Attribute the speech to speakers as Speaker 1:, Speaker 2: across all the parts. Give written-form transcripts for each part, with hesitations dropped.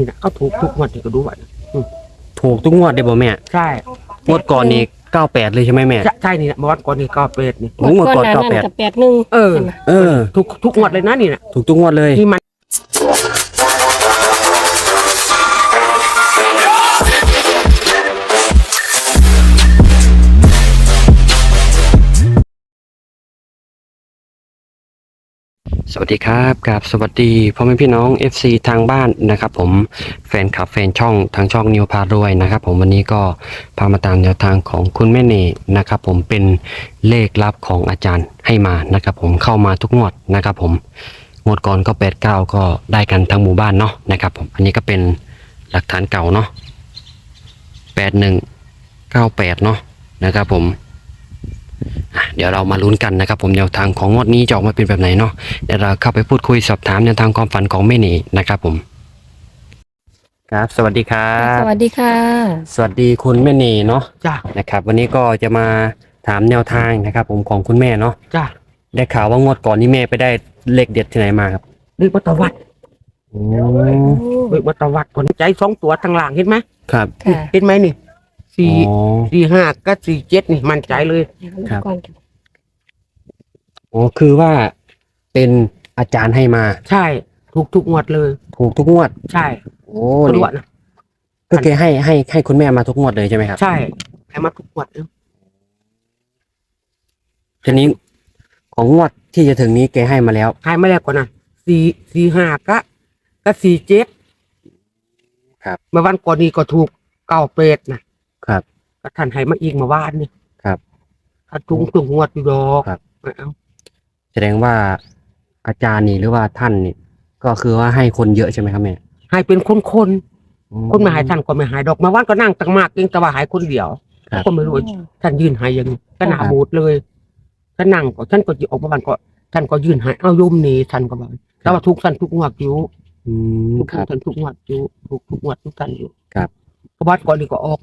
Speaker 1: นะเขาถูกทุกงวดที่ก็ดูไว้
Speaker 2: ถูกทุกงวดเลยบ่แม่
Speaker 1: ใช่
Speaker 2: งวดก่อนนี่98เลยใช่ไหมแม่
Speaker 1: ใช่นี่นะเมื่อวันก่อนนี่ก็เป็ดนี่
Speaker 2: งวดก่อน
Speaker 3: 98กับ81
Speaker 1: ทุกงวดเลยนะนี่นะ
Speaker 2: ถูกทุกงวดเลย
Speaker 1: นี่มัน
Speaker 2: สวัสดีครับกับสวัสดีพ่อแม่พี่น้อง FC ทางบ้านนะครับผมแฟนคลับแฟนช่องทางช่องนิวพารวยนะครับผมวันนี้ก็พามาตามแนวทางของคุณแม่เน่นะครับผมเป็นเลขลับของอาจารย์ให้มานะครับผมเข้ามาทุกงวดนะครับผมงวดก่อนก็89ก็ได้กันทั้งหมู่บ้านเนาะนะครับผมอันนี้ก็เป็นหลักฐานเก่าเนาะ8198เนาะนะครับผมเดี๋ยวเรามาลุ้นกันนะครับผมแนวทางของงวดนี้จะออกมาเป็นแบบไหนเนาะเดี๋ยวเราเข้าไปพูดคุยสอบถามแนวทางความฝันของแม่เน่นะครับผมครับสวัสดีครับ
Speaker 3: สวัสดีค่ะ
Speaker 2: สวัสดีคุณแม่เน่เนาะ
Speaker 1: จ้า
Speaker 2: นะครับวันนี้ก็จะมาถามแนวทางนะครับผมของคุณแม่เนาะ
Speaker 1: จ้า
Speaker 2: ได้ข่าวว่างวดก่อนนี้แม่ไปได้เลขเด็ดที่ไหนมาครับ
Speaker 1: เลขวัตวัดเลขวัตวัดผลใจ2ตัวทางหลังเห็นไหม
Speaker 2: ครับ
Speaker 1: เห็นไหมนี่4 5ก็47นี่มั่นใจเลย
Speaker 2: ครับอ๋อคือว่าเป็นอาจารย์ให้มา
Speaker 1: ใช่ทุกงวดเลย
Speaker 2: ถูกทุกงวด
Speaker 1: ใช่
Speaker 2: โอ้
Speaker 1: นี่นะ
Speaker 2: ก็แกให้คุณแม่มาทุกงวดเลยใช่ไหมครับ
Speaker 1: ใช่ให้มาทุกงวดเลย
Speaker 2: ทีนี้ของงวดที่จะถึงนี้แกให้มาแล้ว
Speaker 1: ให้มาแล้วก่อนนะ4 5ก็47
Speaker 2: ครับ
Speaker 1: เมื่อวันก่อนนี้ก็ถูก98นะครับก็ท่านให้มาอีกเมื่อวานนี่
Speaker 2: ครับ
Speaker 1: ถ้าทุกงวดอยู่ดอก
Speaker 2: ครับแสดงว่าอาจารย์นี่หรือว่าท่านนี่ก็คือว่าให้คนเยอะใช่ไหมครับแม่
Speaker 1: ให้เป็นคนไม่หายท่านก็ไม่หายดอกเมื่อวานก็นั่งตั้งมากเองแต่ว่าหายคนเดียวก็ไม่รู้ท่านยืนหายอย่างนี้ก็หนาบูดเลยก็นั่งก็ท่านก็ออกมาบ้านก็ท่านก็ยืนหายเอาโยมนี่ท่านก็บอกแต่ว่าทุกท่านทุกงวดอยู่ทุกท่านทุกงวดอยู่ทุกงวดทุกท่านอยู่
Speaker 2: ครับ
Speaker 1: เพราะวัดก่อนนี่ก็ออก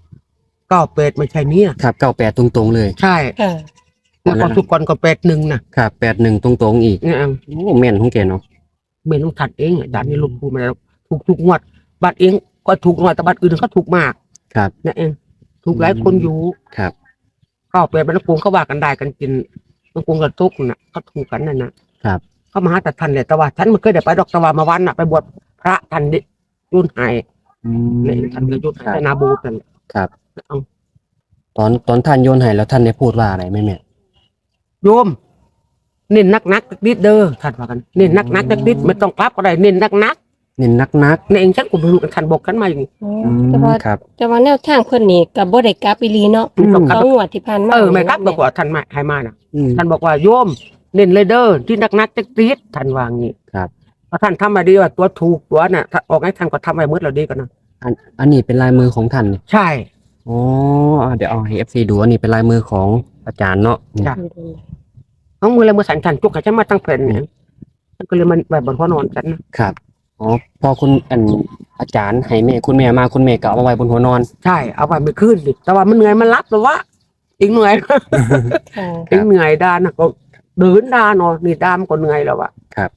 Speaker 1: 98ไม่ใช่เนี่ย
Speaker 2: ครับ98ตรงๆเลย
Speaker 1: ใช่แล้วก็ทุกคนก็81นะครับ
Speaker 2: 81ตรงๆอีกโอ้แม่นของแกเนาะ
Speaker 1: เมนต้องถัดเองอาจารย์นี่ลูกพูดมาแล้วทุกงวดบัตรเองก็ถูกหน่อยแต่บัตรอื่นเขาถูกมาก
Speaker 2: ครับ
Speaker 1: นี่เองถูกหลายคนอยู่
Speaker 2: ครับ
Speaker 1: 98บรรพบุรุษเขาว่ากันได้กันกินบางคนก็ทุกน่ะเขาถูกกันนั่นนะครับเขามาหาแต่ทันเลยแต่ว่าฉันมันเคยได้ไปดอกตะวันมาวันน่ะไปบวชพระทันดิยุ่นหายนี่ทันก็ยุ่นหายนาบูกัน
Speaker 2: ครับตอนท่านโยนให้แล้วท่านได้พูดว่าอะไรไหมแม่
Speaker 1: โยมเน้นนักนิดเด้อท่านว่ากันเน้นนักนิดไม่ต้องกลับก็ได้เน้นนัก
Speaker 2: เน้นนัก
Speaker 1: ในเองฉันก็ไม่รู้กันท่านบอกกันมาอย่างนี้
Speaker 3: แต่ว่าแนวทางคนนี้กับบ่ได้กลับอีหลีเนาะ2งวดที่ผ่านมา
Speaker 1: ไม่กลับบอกว่าท่านให้มาน่ะท่านบอกว่าโยมเน้นเลยเด้อที่นักนิดท่านว่างี้
Speaker 2: ครับ
Speaker 1: เพราะท่านทำมาดีว่าตัวถูกตัวน่ะออกให้ท่านก็ทำไว้มืดเราดีกันนะ
Speaker 2: อันนี้เป็นลายมือของท่าน
Speaker 1: ใช่
Speaker 2: อ๋อเดี๋ยวเอาให้ FC ดูอันนี้เป็นลายมือของอาจารย์เนาะ
Speaker 1: เอามือเลยมือสั่นจุกให้ฉันมาตั้งแผ่นเนี่ยฉันก็เลยมันแบบบนหัวนอนฉัน
Speaker 2: นะครับอ๋อพอคุณอาจารย์ให้แม่คุณแม่มาคุณแม่ก็เอาไว้บนหัวนอน
Speaker 1: ใช่เอาไว้ไม่ขึ้นดิแต่ว่ามันเหนื่อยมันรับแต่ว่าอีกเหนื่อยอีกเหนื่อยด้านนะก็เดินด้านนอนนี่ด้ามก็เหนื่อยแล้วอะ
Speaker 2: ครับ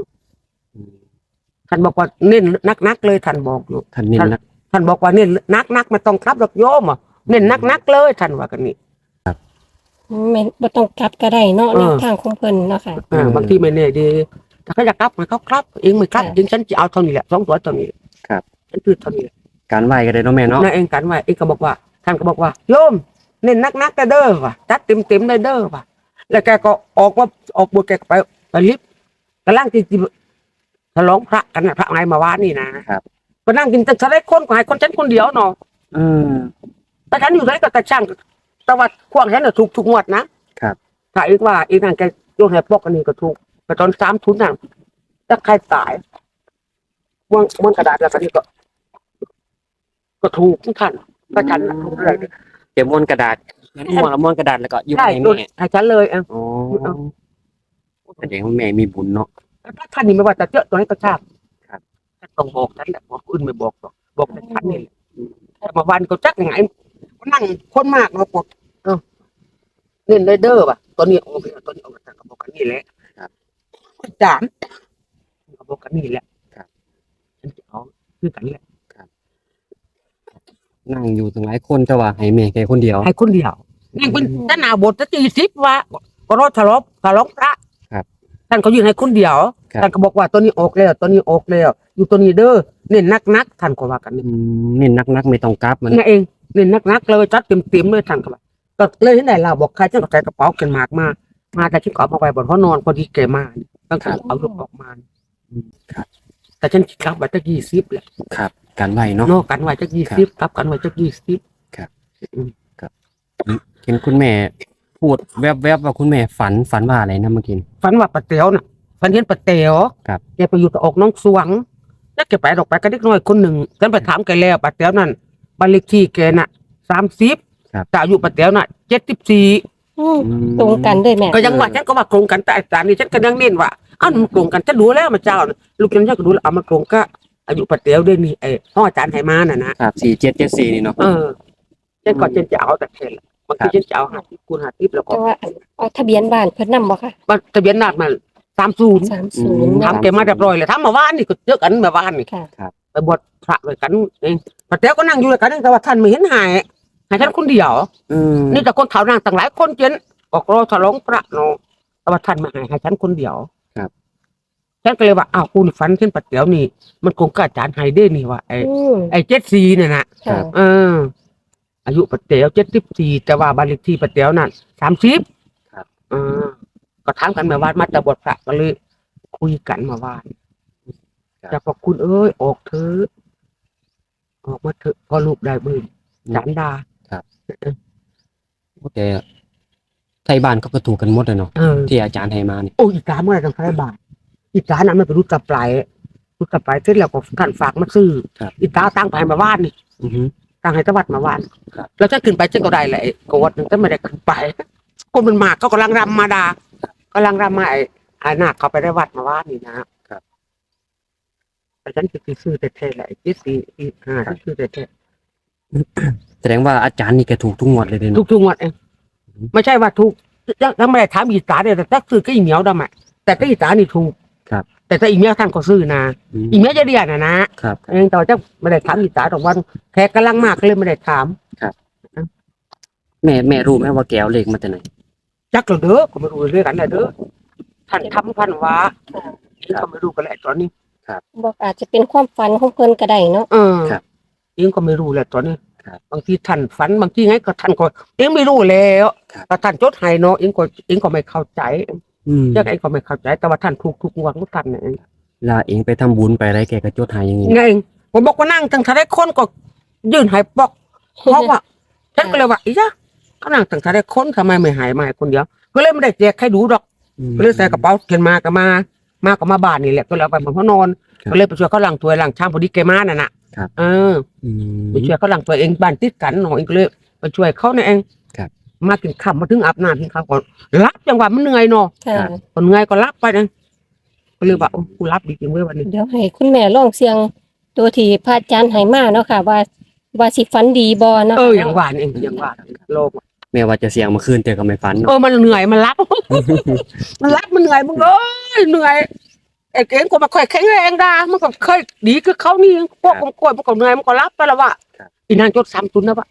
Speaker 1: ท่านบอกว่าเน้นนักเลยท่านบอกอยู่
Speaker 2: ท่านเน้นนัก
Speaker 1: ท่านบอกว่าเน้นนักไม่ต้องครับดอกโยมอ่ะเน้นนักเลยท่านว่ากันนี่
Speaker 3: ครับไม่ต้องกลับก็ได้เนาะแนวทางของเพิ่นเนาะค่ะ
Speaker 1: บางทีไม่แน่ดีถ้าเขาจะกลับมันเขาครับเองไม่ครับจึงฉันจะเอาเท่านี้แหละ2 ตัวเท่านี้
Speaker 2: ครับ
Speaker 1: ฉันคือเท่านี้
Speaker 2: การไหวก็ได้เนาะแม่เนาะ
Speaker 1: นั่นเองการไหวเองก็บอกว่าท่านก็บอกว่าโยมเน้นนักเด้อว่ะจัดเต็มได้เด้อว่ะแล้วแกก็ออกบวชแกไปลิฟต์กำลังที่ฉลองพระกันนะพระไงมาวานนี่นะครับก็นั่งกินแต่ฉันได้คนก็ให้คนฉันคนเดียวเนาะแต่ฉันอยู่ไหนก็แต่ช่างแต่ว่าควงฉันน่ะถูกงวดนะครับถ้าอีกว่าอีกนั่นแกโยนให้ปอกอันนี้ก็ถูกแต่ตอน3 ทุนนั่นถ้าใครตายม้วนกระดาษแล้วก็นี่ก็ถูกทุกท่านก็ฉันถูกเลย
Speaker 2: เดี๋ยวม้วนกระดาษม้วนกระดาษแล้วก็ยุ่งให้แม่
Speaker 1: ให้ฉันเลยอ๋อ
Speaker 2: แสดงว่าแม่มีบุญเนาะ
Speaker 1: ถ้าท่านนี่ไม่ว่าจะเจอตัวนี้ก็ทราบครับต้องบอกฉันแหละบอกอื่นไม่บอกหรอกบอกแต่ฉันนี่แต่มาวันก็จักยังไงนั่งคนมากมาปวดเน้นเลยเด้อว่ะตัวนี้ออกตัวนี้ออกมาบอกกันนี่แหละครับ3บอกกันนี่แหละครับฉันจะเอาคือกันแหละ
Speaker 2: นั่งอยู่ตั้งหลายคนแต่ว่าให้แม่แกคนเดียว
Speaker 1: ให้คนเดียวนั่งเป็นท่านอาบทจะ40ว่าก็รอฉลองพระ
Speaker 2: ครับ
Speaker 1: ท่านก็ยืนให้คนเดียว
Speaker 2: ครับ
Speaker 1: ท่านก็บอกว่าตัวนี้ออกแล้วตัวนี้ออกแล้วอยู่ตัวนี้เด้อเน้นนักท่านก็ว่ากันนี่
Speaker 2: เน้นนักๆไม่ต้องกลับมัน
Speaker 1: นั่นเองเน้นนักเลยจัดเต็มเลยท่านก็ว่าก็เลยที่ไหนเราบอกใครฉันก็ใส่กระเป๋าเกินมากมาแต่ฉันก็เอามาไว้บนห้องนอนพอดีแกมาตั้งแต่เอาลูกออกมา
Speaker 2: ครับ
Speaker 1: แต่ฉันคิดกลับไว้จะ20แหละ
Speaker 2: ครับกันไว้เนาะ
Speaker 1: นอกกันไว้จะ20กลับกันไว้จะ20
Speaker 2: เห็นคุณแม่พูดแวบๆว่าคุณแม่ฝันว่าอะไรนะเมื่อกี้
Speaker 1: ฝันว่าป้าเต๋วน่ะฝันเห็นป้าเต๋ว
Speaker 2: ครับ
Speaker 1: แกไปอยู่กับออกน้องสวงแล้วแกไปออกไปกับเด็กน้อยคนหนึ่งฉันไปถามแกแล้วป้าเต๋วนั่นบ้านเลขที่แกน่ะ30
Speaker 2: ครับ
Speaker 1: แต่อายุป้าเต๋วน่ะ74
Speaker 3: อืมตรงกันเลยแม่
Speaker 1: ก็ยังว่าฉันก็ว่าโครงกันแต่อาจารย์นี่ฉันก็ยังเน้นว่าอ้าวมันโครงกันฉันรู้แล้วมาเจ้าน่ะลูกฉันก็รู้แล้วเอามาโครงก็อายุป้าเต๋วด้วยนี่ไอ้ห้องอาจารย์ไหมาน่ะนะครับ
Speaker 2: 4774นี่เนาะ
Speaker 1: ฉันก็ฉันจะเอาแต่เทนบางทีฉันจะเอา50 คูณ 50แล้วก็
Speaker 3: แต่ว่าเอาทะเบียนบ้านเพิ่นนำบ่ค่ะ
Speaker 1: ทะเบียนนาดมา30
Speaker 3: 30
Speaker 1: ทำแกมาเรียบร้อยเลยทำมาว่านนี่ก็เจอกันมาว่านนี่
Speaker 3: ค่ะ
Speaker 1: ไปบวชพระด้วยกันเองป้าแต้วก็นั่งอยู่ด้วยกันแต่ว่าท่านไม่เห็นหายท่านคนเดียว นี่แต่คนเฒ่านั่งต่างหลายคนเจนออกรอฉลองพระเนาะแต่ว่าท่านไม่ให้ฉันคนเดียว
Speaker 2: ครับ
Speaker 1: ฉันก็เลยว่าอ้าวคุณฝันเช่นป้าแต้วนี่มันคงกล้าจานให้ได้นี่ว่าไอ้
Speaker 3: อืม
Speaker 1: ไอ้74เนี่ยนะ
Speaker 3: ค่ะ
Speaker 1: อายุป้าแต้ว74แต่ว่าบ้านเลขที่ป้าแต้วนั่น30
Speaker 2: ครับ
Speaker 1: ก็ถามกันมาว่ามาจะบวชพระก็เลยคุยกันมาว่า
Speaker 2: ครับ
Speaker 1: จะพอคุณเอ้ยออกเถอะออกมาเถอะพอลูกได้บืนจานดา
Speaker 2: โอเคไทยบ้านเขาก็ถูกกันหมดเลยเนาะ
Speaker 1: เออ
Speaker 2: ที่อาจารย์ให้มานี่
Speaker 1: โอ้อีกาเมื่อไหรต้องใช้บาทอีกานั้นมันเป็นรูปตะปลายรูปตะปลายเสร็จแล้วก็ท่านฝากมาซื้ออีกาตั้งไปมาว่านนี่
Speaker 2: อือฮึ
Speaker 1: ตั้งให้ตะวัดมาว่าน
Speaker 2: ครับ
Speaker 1: แล้วถ้าขึ้นไปฉันก็ได้แหละกวัดนึงแต่ไม่ได้ขึ้นไปคนมันมากเขากำลังรำมาดากำลังรำมาไอ้นาคเขาไปได้วัดมาว่านนี่นะครับ แต่ฉันคือซื้อแต่เทแหละ74 ฉันซื้อแต่เท
Speaker 2: แสดงว่าอาจารย์นี่แกถูกทุกงวดเลยเนาะ
Speaker 1: ทุกงวดเองไม่ใช่ว่าถูกยังไม่ได้ถามอีสานเลยแต่ถ้าซื้อก็อีเหมียวดำอ่ะแต่ก็อีสานนี่ถูก
Speaker 2: ครับ
Speaker 1: แต่ถ้าอีเหมียวท่านก็ซื้อนะอีเหมียวจะเรียนนะครับ เองแต่ว่าจะไม่ได้ถามอีสานตรงวันแขกกำลังมากก็เลยไม่ได้ถาม
Speaker 2: แม่รู้ไหมว่าแกเอาเลขมาจากไหน
Speaker 1: จักเราเด้อก็ไม่รู้เรื่องกันเลยเด้อท่านทำพันว่าก็ไม่รู้กันแหละตอนนี้
Speaker 3: บอกอาจจะเป็นความฝันของเพิ่นก็ได้เนาะ
Speaker 1: เองก็ไม่รู้แหละตอนนี้
Speaker 2: ครับ
Speaker 1: บางทีท่านฝันบางทีไงก็ท่านก็เองไม่รู้แล้วแต่ท่านจดให้เนาะเองก็ไม่เข้าใจ เจ้าเองก็ไม่เข้าใจแต่ว่าท่านถูกทุกงวดของท่านเนี่ย
Speaker 2: ลาเองไปทำบุญไปอะไรแกก็จดหายอย่างนี้
Speaker 1: ไงผมบอกว่านั่งตั้งแต่ได้คนก็ยื่นใหายปอกเพราะว่าฉันก็เลยว่าอีจ้ะก็นั่งตั้งแต่ได้คนทำไมไม่หายมาให้คนเดียวก็เลยไม่ได้แจกใครดูดอกก็เลยใส่กระเป๋าเขียนมาก็มาบ้านนี่แหละก็เลยเอาไปบนห้องนอนก็เลยไปช่วยเขาล้างถ้วยล้างชามพอดีแกมาน่ะนะไปช่วยเขาล้างถ้วยเองบ้านติดกันหน่อยก็เลยไปช่วยเขาเนี่ยเองมากินข้าวมาถึงอาบน้ำกินข้าวก่อนรับจังหวะมันเหนื่อยเนาะ
Speaker 3: ค่ะ
Speaker 1: คนเหนื่อยก็รับไปนะก็เลยว่ากูรับดีจริงเว้ยวันนี้
Speaker 3: เดี๋ยวให้คุณแม่ลองเสียงตัวที่พระอาจารย์ให้มาเนาะค่ะ ว่าสิฝันดีบ่เนาะ
Speaker 1: อย่างว่านี่เองอย่างว่าโลก
Speaker 2: แม่ว่าจะเสียงเมื่อคืนแต่ก็ไม่ฝันเนาะ
Speaker 1: มันเหนื่อยมันรับ มันรับมันเหนื่อยมึงเอ้ยเหนื่อยไอ้เก่งก็มาค่อยแข็งแรงดามันก็เคยดีคือเขานี่พวกกล้วยมันก็เหนื่อยมันก็รับไปแล้วว่าอีนางจด30นะวะ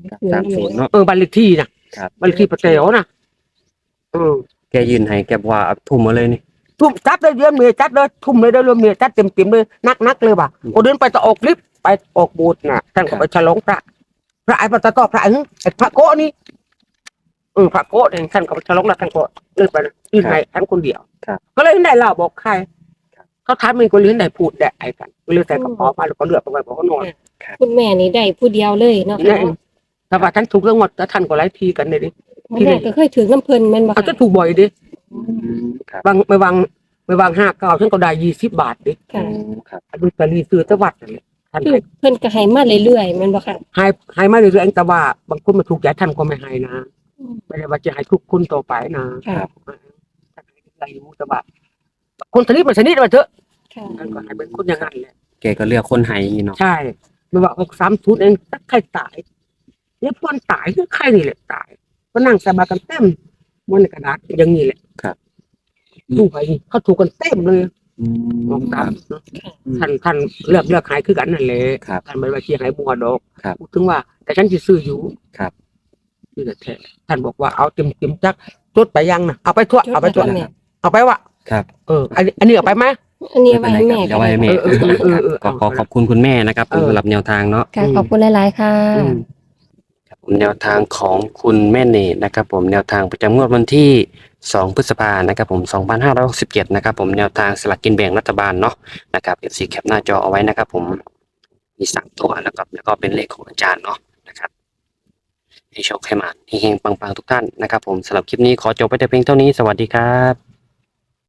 Speaker 2: 30เนาะ
Speaker 1: บ้านเลขที่นะครับ บ้านเลขที่ป้าเต๋วนะ
Speaker 2: แกยืนให้แกบอกว่าเอาทุ่มมาเลยนี่
Speaker 1: ทุ่มจัดเลยเรื่องเมียจัดเลยทุ่มเลยได้เรื่องเมียจัดเต็มเลยนักเลยว่ะโอเดินไปจะออกลิฟต์ไปออกโบูธน่ะท่านก็ไปฉลองพระไอ้พระตะกอพระไอ้พระโกนี่พระโกเนี่ยท่านก็ไปฉลองแล้วท่านก็เลื่อนไปยื่นให้ท่านคนเดียวก็เลยได้เล่าบอกใครเขาถามมันก็เลยได้พูดได้ไอ้กันก็เลยใส่กระเป๋ามาแล้วก็เลือกไปไว้บอกเขานอน
Speaker 3: คุณแม่นี่ได้ผู้เดียวเลยเนาะ
Speaker 1: นี่เองแต่ว่าท่านถูกเรื่องหมดแล้วท่านก็ไล่ทีกันเลยดิ
Speaker 3: แม่ก็เคยถือน้ำเพิ่นแม่นบ่
Speaker 1: เขา
Speaker 3: ค่ะ
Speaker 1: จะถูกบ่อยดิ
Speaker 2: ครับ
Speaker 1: ไม่วาง59ฉันก็ได้20 บาทดิ
Speaker 3: ค่ะ
Speaker 2: ครับ
Speaker 1: ดูตะลีซื้อตะวัดนั่นแหละท่าน
Speaker 3: คือเพิ่นก็ให้มาเรื่อยๆแม่นบ่ค่ะ
Speaker 1: ให้มาเรื่อยๆแต่ว่าบางคนมาถูกใจท่านก็ไม่ให้นะไม่ได้ว่าจะให้ทุกคนต่อไปนะ
Speaker 3: ค่ะ
Speaker 1: ท่านให้อะไรอยู่แต่ว่าคนสนิทมันสนิทมาเถอะ
Speaker 3: ค่ะ
Speaker 1: ท่านก็ให้เป็นคนอย่างนั้นแหละ
Speaker 2: แกก็เลือกคนให้อย่างนี้เนาะ
Speaker 1: ใช่ไม่ว่า630เองถ้าใครตายเนี่ยปอนตายคือใครนี่แหละตายก็นั่งสบายกันเต็มบนกระดาษอย่างนี้แหละดูไปนี่เขาถูกกันเต็มเลยมองตามท่านเลือกหายคือกันนั่นแหละ
Speaker 2: ครับ
Speaker 1: ท่านไม่ว่าที่หายมัวดอก
Speaker 2: ครับ
Speaker 1: พูดถึงว่า แต่ฉันจะซื้ออยู่
Speaker 2: ครับ
Speaker 1: นี่แท้ท่านบอกว่าเอาเต็มจักจดไปยังนะเอาไปทั่ว
Speaker 3: จด
Speaker 1: เอาไปทั่ว
Speaker 3: แล้วค่ะแม่
Speaker 1: เอาไปวะ
Speaker 2: ครับ
Speaker 1: อันนี้เอาไปไหม
Speaker 3: อันนี้ไว้ให้แม่
Speaker 2: เดี๋
Speaker 3: ก็
Speaker 2: ยวไว้
Speaker 3: ได้
Speaker 2: ให้แม่
Speaker 1: เอา
Speaker 2: ขอขอบคุณคุณแม่นะครับผม
Speaker 1: เออ
Speaker 2: สำหรับแนวทางเนาะ
Speaker 3: ค่ะขอบคุณหลายๆค่ะ
Speaker 1: อืม
Speaker 2: ครับผมแนวทางของคุณแม่เนตนะครับผมแนวทางประจำงวดวันที่ 2 พฤษภานะครับผม 2567นะครับผมแนวทางสลากกินแบ่งรัฐบาลเนาะนะครับ FC แคปหน้าจอเอาไว้นะครับผมมี3ตัวแล้วก็เป็นเลขของอาจารย์เนาะนะครับให้โชคให้มาเฮงๆปังๆทุกท่านนะครับผมสำหรับคลิปนี้ขอจบไปแต่เพียงเท่านี้สวัสดีครับ